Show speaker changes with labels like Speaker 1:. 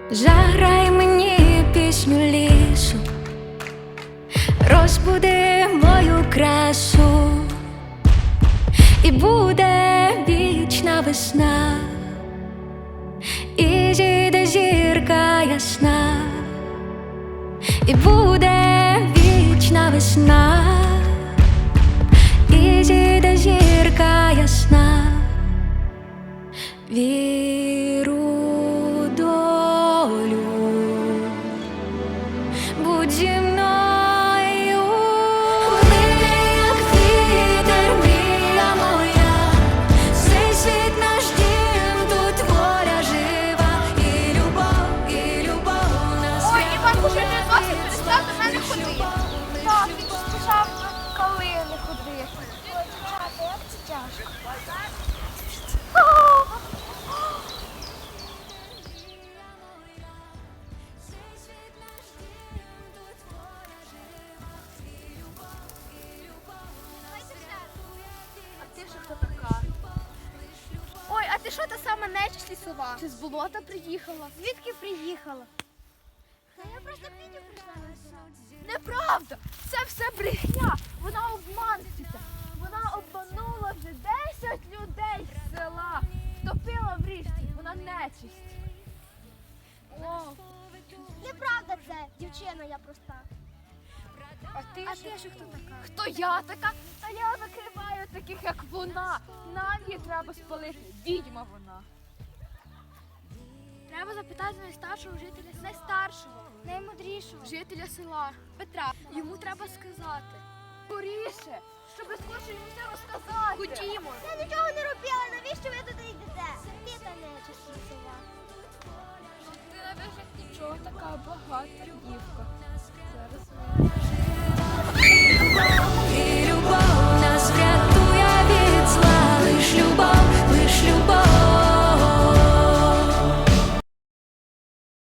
Speaker 1: Заграй мені пісню лісу, розбуди мою красу, і буде вічна весна, і зійде зірка ясна, і буде вічна весна, і зійде зірка ясна. Віру в долю, будь зі мною. Плине, як вітер, мрія моя, цей світ наш дім, тут воля жива, і любов на свят.
Speaker 2: Ой, Іван уже не досить, перестав до мене ходити. Так, він сказав, коли не ходити. Ой, дівчата, як це тяжко. А ти ж хто така? Ой, а ти що та сама нечисть лісова? Чи з болота приїхала? Звідки приїхала? Я просто Петю прийшла на сон. Неправда! Це все брехня! Вона обманщиця! Вона обманула вже 10 людей з села! Втопила в річці! Вона нечисть! О.
Speaker 3: Неправда це, дівчина, я проста.
Speaker 2: А ти ж хто така? Хто я така? Та я викриваю таких, як вона. Нам її треба спалити. Відьма вона. Треба запитати найстаршого жителя, найстаршого, наймудрішого жителя села Петра. Йому треба сказати. Скоріше, щоб скоріше йому все розказати. Ходімо.
Speaker 3: Я нічого не робила, навіщо ви туди йдете? Ти та нечисть лісова.
Speaker 2: Ти навіть нічого, така багата дівка.